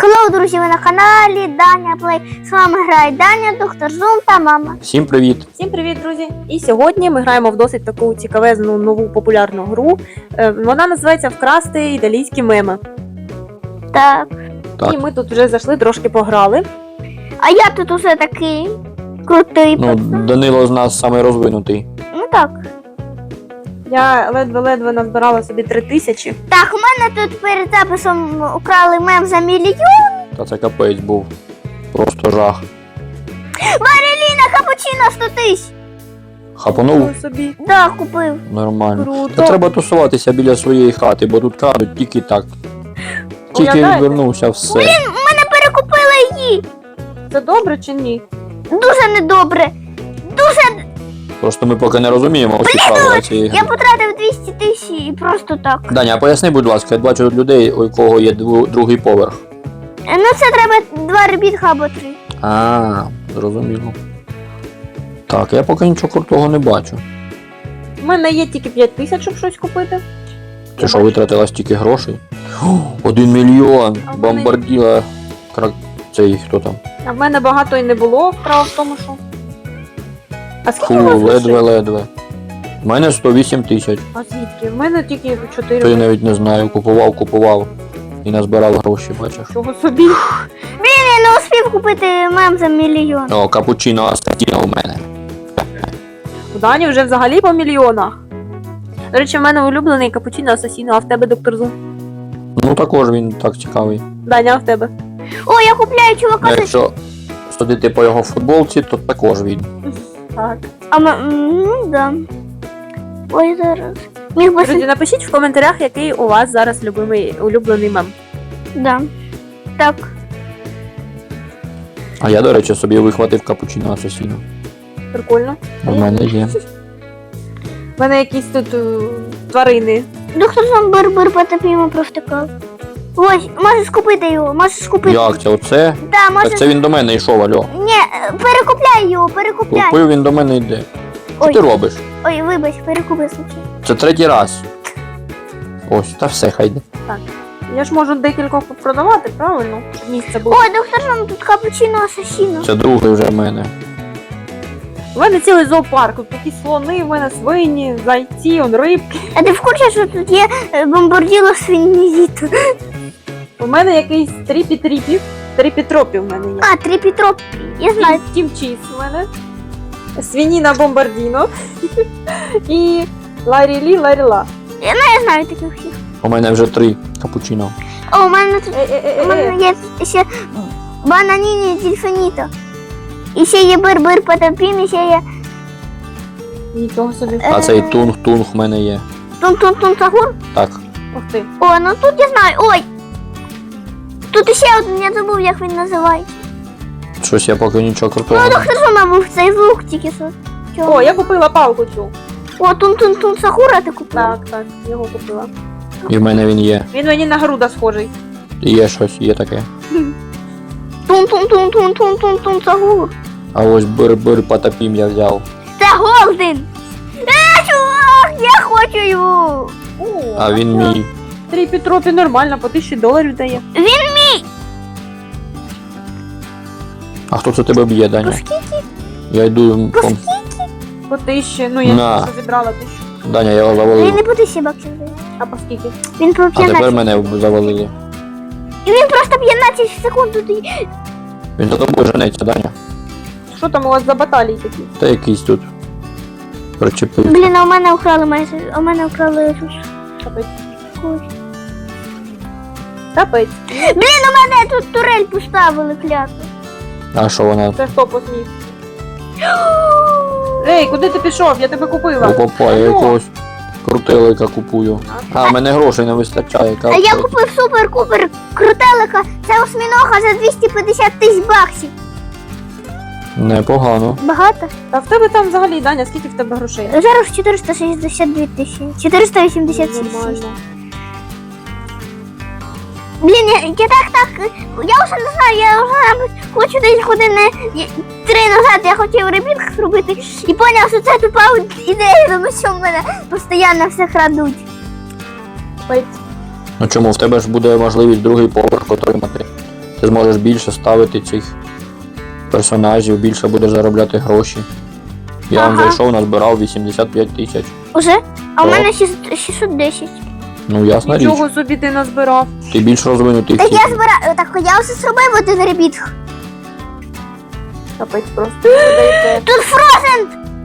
Hello, друзі, ви на каналі Даня Плей. З вами грає Даня, доктор Зум та мама. Всім привіт! Всім привіт, друзі! І сьогодні ми граємо в досить таку цікавезну нову популярну гру. Вона називається Вкрасти італійські меми. Так. Так. І ми тут вже зайшли, трошки пограли. А я тут усе такий крутий. Ну, Данило з нас самий розвинутий. Ну так. Я ледве-ледве назбирала собі 3000. Так, у мене тут перед записом украли мем за мільйон. Та це капець був. Просто жах. Вареліна капучино 100 тисяч. Хапанув собі. Да, купив. нормально. Круто. Та треба тусуватися біля своєї хати, бо тут крадуть тільки так. Тільки Уявляєте? відвернувся, все. Мене перекупили її. Це добре чи ні? Дуже недобре. Дуже. Просто ми поки не розуміємо усі правила цієї Я гри. потратив 200 тисяч і просто так. Даня, а поясни, будь ласка, я бачу тут людей, у кого є другий поверх. Ну це треба 2 ребітка або 3. А, зрозуміло. Так, я поки нічого крутого не бачу. У мене є тільки 5000, щоб щось купити. Ти що, витратила стільки грошей? 1 мільйон! А в мене- Бомбарділа. Цей хто там? А в мене багато і не було. Справа в тому, що. А скільки Фу, у вас грошей? ледве-ледве. У мене 108 тисяч. А звідки? В мене тільки 4. То я навіть не знаю, купував. І назбирав гроші, бачиш. Чого собі? Я не успів купити мем за мільйон. О, капучино Астатіно у мене. У Дані вже взагалі по мільйонах. До речі, в мене улюблений капучино асасіно, а в тебе, доктор Зум? Ну також він так цікавий. Даня, а в тебе? О, я купляю чувака за... Якщо судити по його футболці, то також він. Так. Ну, да. Ой, зараз. Міг би... Друзі, напишіть в коментарях, який у вас зараз улюблений мем. Да. Так. А я, до речі, собі вихватив капучино Асасіно. Прикольно. У мене є. У мене якісь тут тварини. Доктор сам бир-бир потопімо провтикав. Ось, можеш купити його, можеш купити. Як це? Оце? Да, можеш... Так це він до мене йшов, альо. Ні, перекупляй його, перекупляй. Купив, він до мене йде. Що Ой. ти робиш? Ой, вибач, перекупи случай. Це третій раз. Ось, та все, хай йде. Я ж можу декількох продавати, правильно? Щоб місце було. Ой, доктор сам тут капучино асасіно. Це другий вже в мене. У мене цілий зоопарк. Тут такі слони, в мене свині, зайці, рибки. А ти в курсі, що тут є бомбарділо свинізіту? У мене якийсь тріпітропів в мене є. А, трипітроп. Я знаю. Тім чіз у мене. Свініна бомбардіно. І ларілі-ларіла. Я знаю таких всіх. У мене вже 3 капучино. О, у мене тут у мене є ще бананіні дільфініто. І ще є бир-бир потопім, і ще є Нічого собі. А цей тунг-тунг в мене є. тун-тун-тун-сагур. Так. Ух ти. О, ну тут я знаю. Ой! Тут ще один, я забув, як він називається. Щось я поки нічого крутого. Ну, не доктор Зума був цей звук тільки що. Чого? О, я купила палку цю. О, тун-тун-тун-сагура ти купив? Так, його купила. І в мене він є. Він мені на груда схожий. І є щось, є таке. Тун-тун-тун-тун-тун-тун-сагур. А ось бир-бир потопім я взяв. Це Голден! Чувак, я хочу його! О, А він мій. Тріпітропі нормально, по $1000 дає. А хто це тебе б'є, Даня? По скільки? Я йду. По По 1000, ну я На. тільки що зібрала 1000. Даня, я його Він завалив. не по 1000 баксів дає. А по скільки? Він по А 15. тепер мене завалили. І він просто 15 секунд тут. і- Він за тобою женеться, Даня. Що там у вас за баталії такі? Та якийсь тут. Причепив. Блін, а у мене украли майже. У мене украли тут. Капець. Ой. Капець. Блін, у мене тут турель поставили кляту. А що вона? Це хто посмів? Ей, куди ти пішов? Я тебе купила. Опа, я Алло. якогось крутелика купую. А, в мене грошей не вистачає. А я купив супер-купер крутелика. Це осьмінога за 250 тисяч баксів. Непогано. Багато? Та в тебе там взагалі, Даня, скільки в тебе грошей? Зараз 462 тисячі. 487 тисяч. Нормально. Блін, я так, я вже не знаю, я вже мабуть, хочу десь години 3 назад я хотів ребінг зробити і поняв, що це тупа ідея, тому що в мене постійно все крадуть. Капець. Ну чому, в тебе ж буде можливість другий поверх отримати. Ти зможеш більше ставити цих персонажів, більше будеш заробляти гроші. Я вам Ага. зайшов, назбирав 85 тисяч. Уже? А у Так. мене 610. Ну, ясна річ. Нічого собі ти назбирав. Ти більш розвинутий в Так цій я грі. збираю, так я все зробив один ребіт. Капець просто. Додаєте. Тут Фрозен!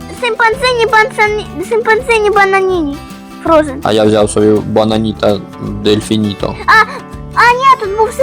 Симпанзині бананіні. Фрозен. А я взяв собі бананіта дельфініто. А ні, тут був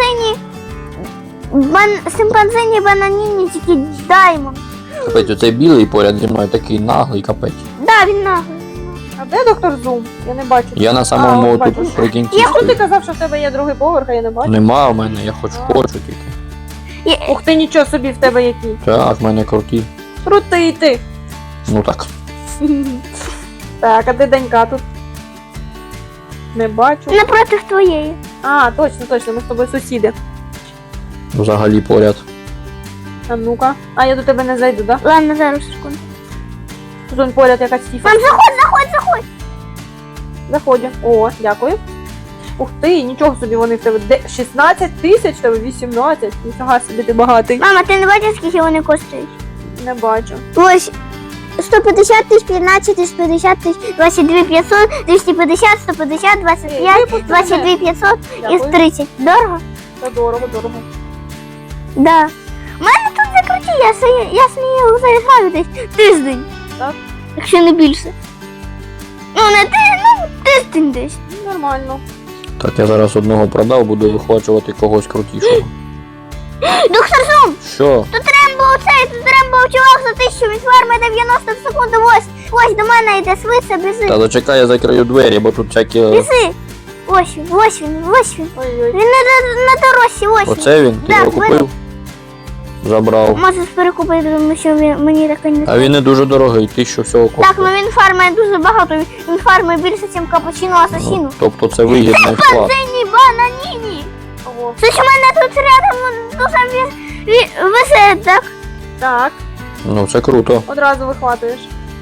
симпанзині бананіні, тільки Даймон. Капець, оцей білий поряд зі мною такий наглий капець. Да, він наглий. А де доктор Зум? Я не бачу. Я на самому от бачу. тут прикінці Я ти стою. казав, що в тебе є другий поверх, а я не бачу. Нема в мене, я хочу тільки. Ух ти, нічого собі в тебе який. Так, в мене круті. Крутий ти. Ну так. Так, а де Данька тут? Не бачу. Напротив твоєї. А, точно, ми з тобою сусіди. Взагалі поряд. А ну-ка. А я до тебе не зайду, да? Ладно, зараз секунду. Тут он поряд якась фіфа. Мам, заходь. Заходжу. О, дякую. Ух ти, нічого собі вони в тебе. 16 тисяч, в тебе 18. Ніфіга собі ти багатий. Мама, ти не бачиш, скільки вони коштують? Не бачу. Ось 150 тисяч, 15 тисяч, 50 тисяч, 22 500, 250, 150, 25, 22 500 і Дякую. 30. Дорого? Це дорого. Да. У мене тут закруті, я смію заіграю десь тиждень. Так? Якщо не більше. Ну, не тиждень десь. Нормально. Так, я зараз одного продав, буду вихвачувати когось крутішого. Доктор Зум, Що? тут Рембо чувак за 1000, він фармить 90 в секунду, ось до мене йде, швидше, біжи. Та зачекай, я закрию двері, бо тут всякі. Біжи. Ось він. Ой-ой. Він на дорожці, ось він. Оце він? Ти Да, його купив? Забрав. Можеш перекупити, тому що мені таке не А він не дуже дорогий, 1000 всього Так, ну коштує. він фармить дуже багато, він фармить більше, ніж капучино асасіну. Ну, тобто це вигідний вклад. Симпанзині бананіні. Ого. Слухай, у мене тут рядом дуже висить, так? Так, Ну це круто. одразу вихватуєш.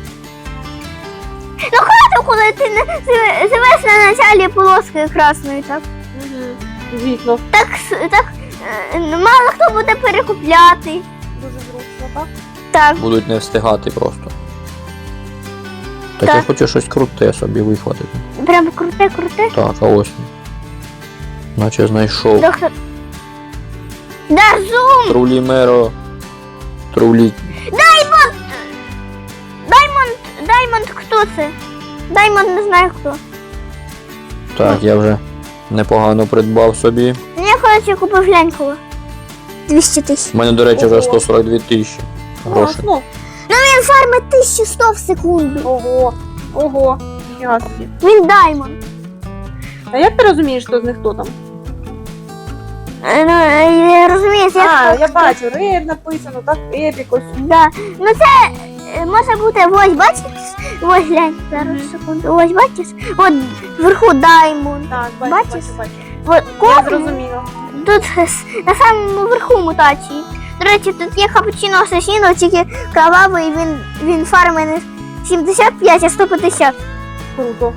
Ну хватить, коли ти живеш на началі полоски красної, так? Угу. Звісно. Так, мало хто буде перекупляти. Дуже зручно, так? Так. Будуть не встигати просто. Так, Так. я хочу щось круте собі вихватити. Прям круте. Так, а ось він. Наче знайшов. Доктор. Дарзум! Трулі меро. Трулі. Даймонд, хто це? Даймонд не знаю хто. Так, я вже непогано придбав собі. Я, коротше, купив глянького. 200 тисяч. У мене, до речі, вже Ого. 142 тисячі грошей. Ну, Він фармить 1100 в секунду. ого. Ніфіга собі. Він Даймонд. А як ти розумієш, хто з них хто там? Ну, я розумію, Я бачу, рейд написано, так, епік ось. Да. Ну це може бути, ось бачиш? Ось глянь, зараз секунду. Ось бачиш? От вверху Даймонд. Так, Бачиш? бачу. От Я кожен зрозуміла. тут на самому верху мутації. До речі, тут є капучино асасіно, тільки кровавий, він фармить не 75, а 150. Круто.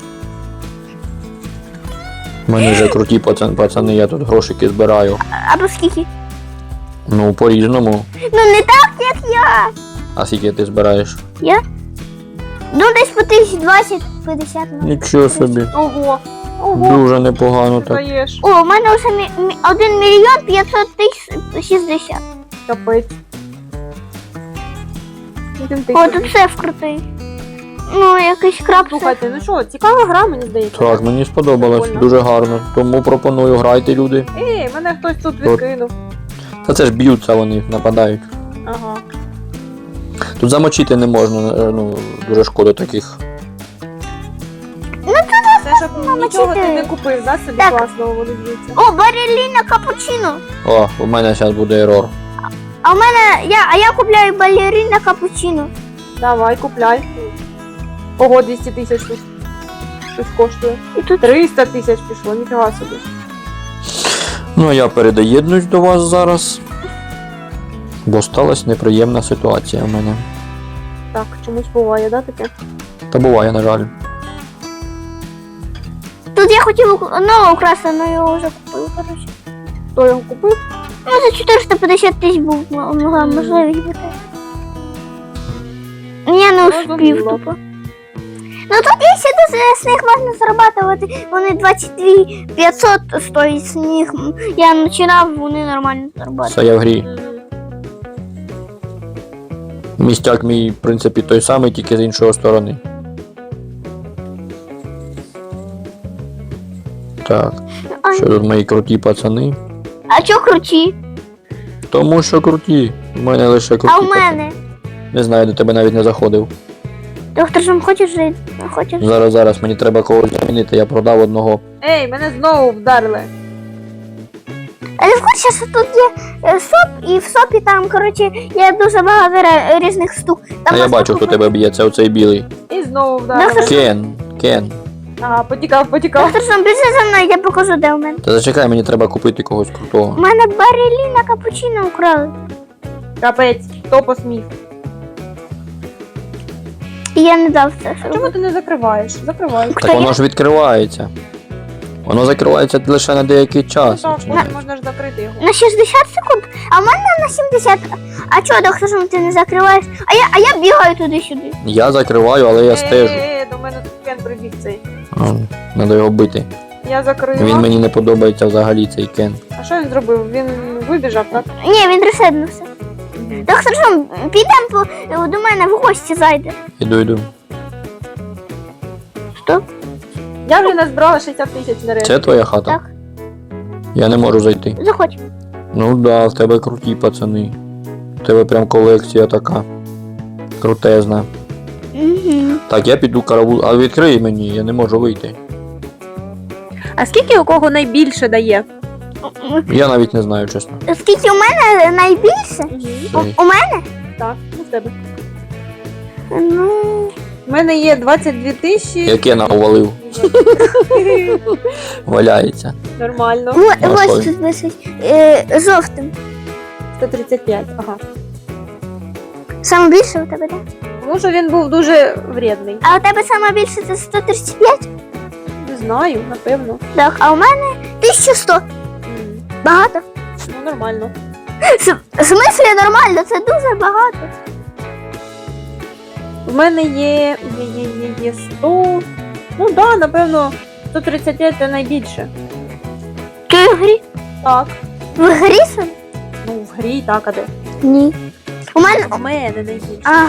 У мене вже круті пацани, я тут грошики збираю. Або скільки? Ну, по-різному. Ну не так, як я. А скільки ти збираєш? Ну десь по 1020-50. Ну. Нічого собі. Ого. Дуже непогано так. Даєш. О, у мене вже 1 мільйон 500 тисяч 60. Капець. О, тут сеф крутий. Ну, якийсь краб. Слухайте, ну що, цікава гра, мені здається. Так, мені сподобалось, Прикольно. дуже гарно. Тому пропоную, грайте, люди. Ей, мене хтось тут відкинув. Та це ж б'ються вони, нападають. Ага. Тут замочити не можна, ну, дуже шкода таких. Це щоб нічого ти не купив, да, собі Так. класного воно б'ється. О, балерина капучино. О, у мене зараз буде ерор. А у мене, я купляю балерина капучино. Давай, купляй. Ого, 200 тисяч тут. Щось коштує. І тут 300 тисяч пішло, ніфіга собі. Ну, а я передоєднуюсь до вас зараз. Бо сталася неприємна ситуація в мене. Так, чомусь буває, да, таке? Та буває, на жаль. Тут я хотів нового украсти, але його вже купив, коротше. Хто його купив? Ну, за 450 тисяч був могла можливість бути. Я не успів Зрозуміло. тупо. Ну тут якщо з них можна зарабатувати, вони 22 500 стоїть з них. Я починав, вони нормально зарабатывали. Все, я в грі. Містяк мій, в принципі, той самий, тільки з іншої сторони. Так, Ай, що тут мої круті пацани? а чо круті? Тому що круті. У мене лише круті А у пацани. мене? Не знаю, до тебе навіть не заходив. Доктор Жом, хочеш жити? Хочеш? Зараз мені треба когось замінити, я продав одного. Ей, мене знову вдарили. А ти в курсі, що тут є СОП, і в СОПі там, коротше, є дуже багато різних штук. Там А я можна бачу, хто купити- тебе б'є, це оцей білий. І знову вдарили. Кен. Ага, потікав. Доктор Жом, біжи за мною, я покажу, де у мене. Та зачекай, мені треба купити когось У крутого. мене бареліна капучино украли. Капець, хто посмів? І я не дав це. А чому ти не закриваєш? Закривай. Так воно ж відкривається. Воно закривається лише на деякий час. Так, чи ні? потім можна ж закрити його. На 60 секунд, а в мене на 70. А чого, доктор Жом, ти не закриваєш? А я бігаю туди-сюди. Я закриваю, але я стежу. До мене тут Кен прибіг цей. Треба його бити. Я закрила. Він мені не подобається взагалі цей Кен. А що він зробив? Він вибіжав, так? Ні, він ресетнувся. Доктор Жом, підемо до мене в гості зайде. Іду. Стоп. Я вже назбирала 60 тисяч нарешті. Це твоя хата? Так. Я не можу зайти. Заходь. Ну да, в тебе круті пацани. В тебе прям колекція така. Крутезна. Угу. Так, я піду каравул. А відкрий мені, я не можу вийти. А скільки у кого найбільше дає? Я навіть не знаю, чесно. Скільки у мене найбільше? Цей. У мене? Так, у тебе. Ну. У мене є 22 тисячі. Я Кена увалив. Валяється. Нормально. Ось Ой. тут висить. Жовтим. 135, ага. Саме більше у тебе, так? Тому що він був дуже вредний. А у тебе саме більше це 135? Не знаю, напевно. Так, а у мене 1100. Багато. Ну, нормально. В смислі нормально, це дуже багато. У мене є 100. Ну так, да, напевно, 135 це найбільше. Ти в грі? Так. В грі сам? Ну, в грі, так, а де? Ні. У мене. У мене найбільше. А,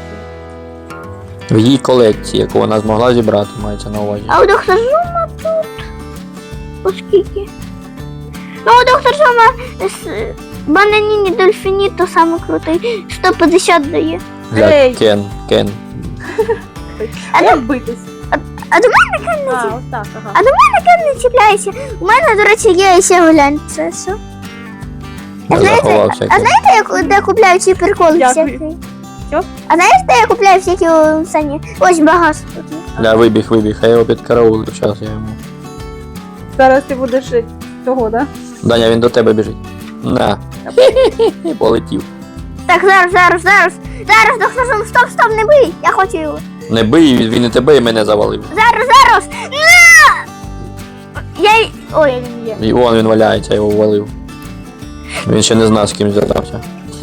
В її колекції, яку вона змогла зібрати, мається на увазі. а у доктора Жума тут. Оскільки? Ну, у доктора Жума бананіні дельфіні то саме крутий. 150 дає. Ей. Глянь, Кен. А Як битись? А до мене Кен не А, чіпляється. ось так, ага. А до мене Кен не чіпляється. У мене, до речі, є ще глянь, це все. Я знаєте, заховався. а знаєте, де купляю ці приколи Дякую. всякі? Що? А знаєш, де я купляю всякі сані? Ось багатство тут є. Ля, вибіг, а я його підкараулив, час я йому. Зараз ти будеш того, да? Даня, він до тебе біжить. На. Полетів. Так, зараз, доктор Жум, стоп, не бий, я хочу його. Не бий, він і тебе, і мене завалив. Зараз, на! Ой, Він є. І вон він валяється, я його ввалив. Він ще не знав, з ким зв'язався.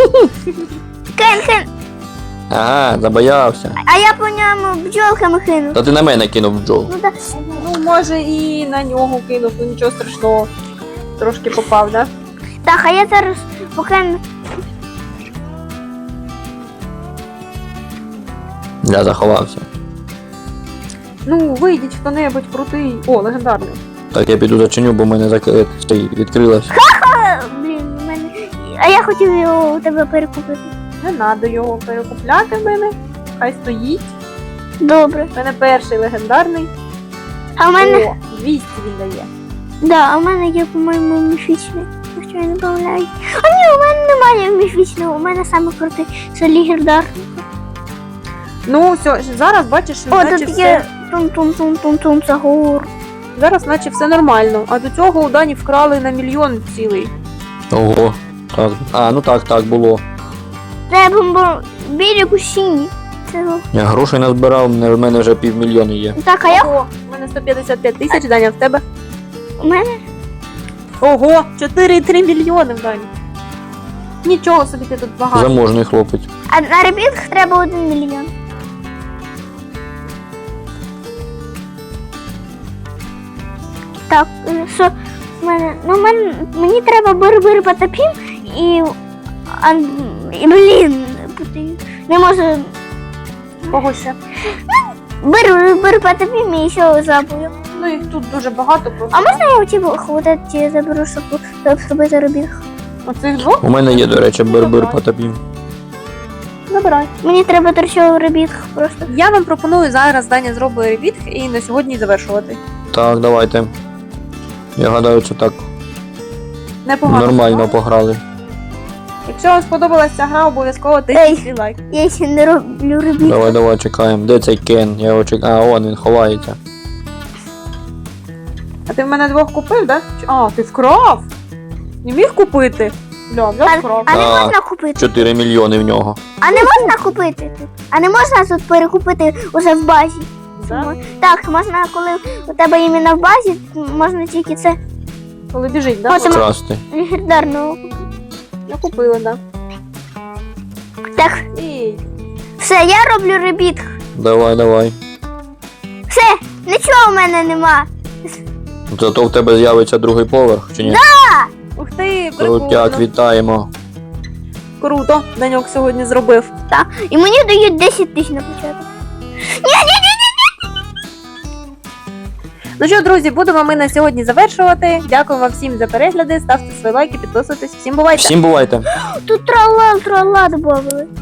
Кен, Ага, забоявся. а я по ньому бджолками кину. Та ти на мене кинув бджол. Ну, так. Ну, може і на нього кинув, ну нічого страшного. Трошки попав, да? Так, а я зараз поки... Я заховався. Ну, вийдіть хто-небудь крутий. О, легендарний. Так, я піду зачиню, бо в мене відкрилось. Блін, у мене... А я хотів його у тебе перекупити. Не треба його перекупляти в мене. Хай стоїть. Добре. У мене перший легендарний. А у мене... О, 200 він дає. Да, а у мене є, по-моєму, міфічний. Якщо я не помиляюсь. А ні, у мене немає міфічного, у мене саме крутий. Це легендар. Ну, все, зараз бачиш, О, наче тут все. є тум-тум-тум-тум-тум загор. Зараз наче все нормально. А до цього у Дані вкрали на мільйон цілий. Ого. Так. А, ну так, було. Треба білі кусіні. Це... Я грошей назбирав, в мене вже 500 000 є. Так, а я... Ого, у мене 155 тисяч, Даня, в тебе. У мене... Ого, 4,3 мільйони в Дані. Нічого собі ти тут багато. Заможний хлопець. А на ребітках треба 1 мільйон. Так, що в мене? Ну, мені треба бир-бир потопім і. І блін, не можу. Кого ще? Бир потопім і ще забую. Ну їх тут дуже багато просто. А можна я у тебе ті заберу, щоб зробити робітку? Оцих двох? У мене є, до речі, бир-бир потопім. Забирай. Мені треба торчову робітку просто. Я вам пропоную зараз Даня зробить ребіт і на сьогодні завершувати. Так, давайте. Я гадаю, це так Непогано. нормально пограли. Якщо вам сподобалася ця гра, обов'язково тисніть лайк. Я ще не роблю робітку. Давай, чекаємо. Де цей Кен? Я його чекаю. А, он він ховається. А ти в мене двох купив, да? А, ти вкрав? Не міг купити? Бля, взяв вкрав. А не А, можна купити? 4 мільйони в нього. А не можна купити тут? А не можна тут перекупити уже в базі? Да? Так, можна, коли у тебе іменно в базі, можна тільки це Коли біжить, да? Потім- Красти. легендарну. Я купила, да. Так, Ей. все, я роблю ребітк. Давай. Все, нічого в мене нема. Зато в тебе з'явиться другий поверх, чи ні? Ух ти, Крутяк, прикольно. вітаємо. Круто, Даньок сьогодні зробив. І мені дають 10 тисяч на початок. Ну що, друзі, будемо ми на сьогодні завершувати. Дякую вам всім за перегляди. Ставте свої лайки, підписуйтесь. Всім бувайте! Всім бувайте. Тут трала додали.